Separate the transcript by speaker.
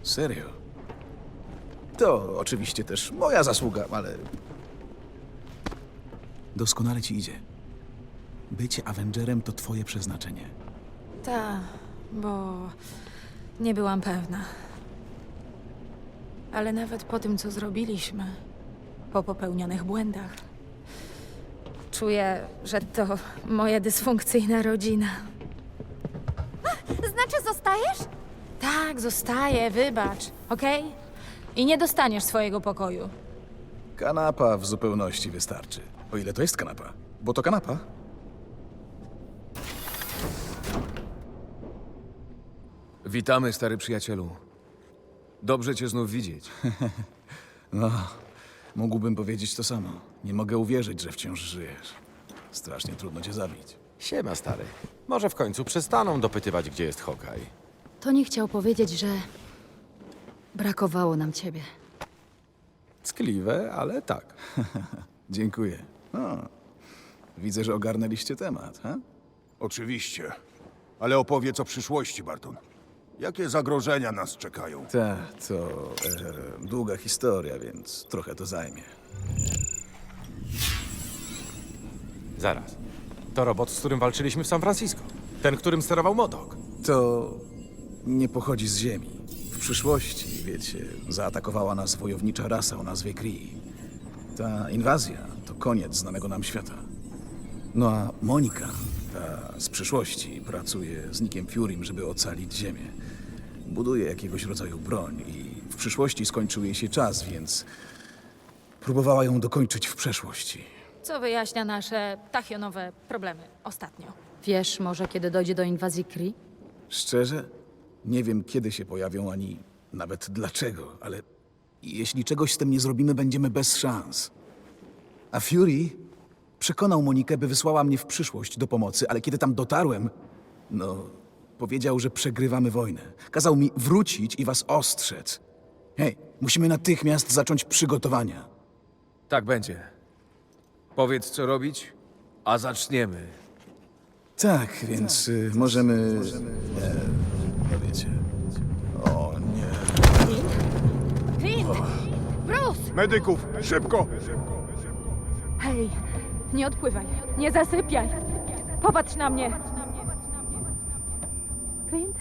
Speaker 1: Serio? To oczywiście też moja zasługa, ale... Doskonale ci idzie. Bycie Avengerem to twoje przeznaczenie.
Speaker 2: Ta, bo nie byłam pewna. Ale nawet po tym, co zrobiliśmy, po popełnionych błędach, czuję, że to moja dysfunkcyjna rodzina.
Speaker 3: Znaczy zostajesz?
Speaker 2: Tak, zostaję, wybacz, okej? I nie dostaniesz swojego pokoju.
Speaker 1: Kanapa w zupełności wystarczy. O ile to jest kanapa. Bo to kanapa.
Speaker 4: Witamy, stary przyjacielu. Dobrze cię znów widzieć.
Speaker 1: No, mógłbym powiedzieć to samo. Nie mogę uwierzyć, że wciąż żyjesz. Strasznie trudno cię zabić.
Speaker 5: Siema, stary. Może w końcu przestaną dopytywać, gdzie jest Hawkeye.
Speaker 6: Tony chciał powiedzieć, że brakowało nam ciebie.
Speaker 1: Ckliwe, ale tak. Dziękuję. No, widzę, że ogarnęliście temat, ha?
Speaker 7: Oczywiście. Ale opowiedz o przyszłości, Barton. Jakie zagrożenia nas czekają?
Speaker 1: Tak, to długa historia, więc trochę to zajmie.
Speaker 5: Zaraz. To robot, z którym walczyliśmy w San Francisco. Ten, którym sterował Modok.
Speaker 1: To nie pochodzi z Ziemi. W przyszłości, wiecie, zaatakowała nas wojownicza rasa o nazwie Kree. Ta inwazja to koniec znanego nam świata. No a Monika, ta z przyszłości, pracuje z Nickiem Furym, żeby ocalić Ziemię. Buduje jakiegoś rodzaju broń i w przyszłości skończył jej się czas, więc próbowała ją dokończyć w przeszłości.
Speaker 2: Co wyjaśnia nasze tachionowe problemy ostatnio.
Speaker 6: Wiesz może, kiedy dojdzie do inwazji Kree?
Speaker 1: Szczerze, nie wiem, kiedy się pojawią, ani nawet dlaczego, ale jeśli czegoś z tym nie zrobimy, będziemy bez szans. A Fury przekonał Monikę, by wysłała mnie w przyszłość do pomocy, ale kiedy tam dotarłem, no, powiedział, że przegrywamy wojnę. Kazał mi wrócić i was ostrzec. Hej, musimy natychmiast zacząć przygotowania.
Speaker 4: Tak będzie. Powiedz, co robić, a zaczniemy.
Speaker 1: Tak, więc możemy... no wiecie... O nie...
Speaker 2: Clint! Bruce!
Speaker 7: Medyków, szybko!
Speaker 2: Hej, nie odpływaj, nie zasypiaj. Popatrz na mnie. Clint?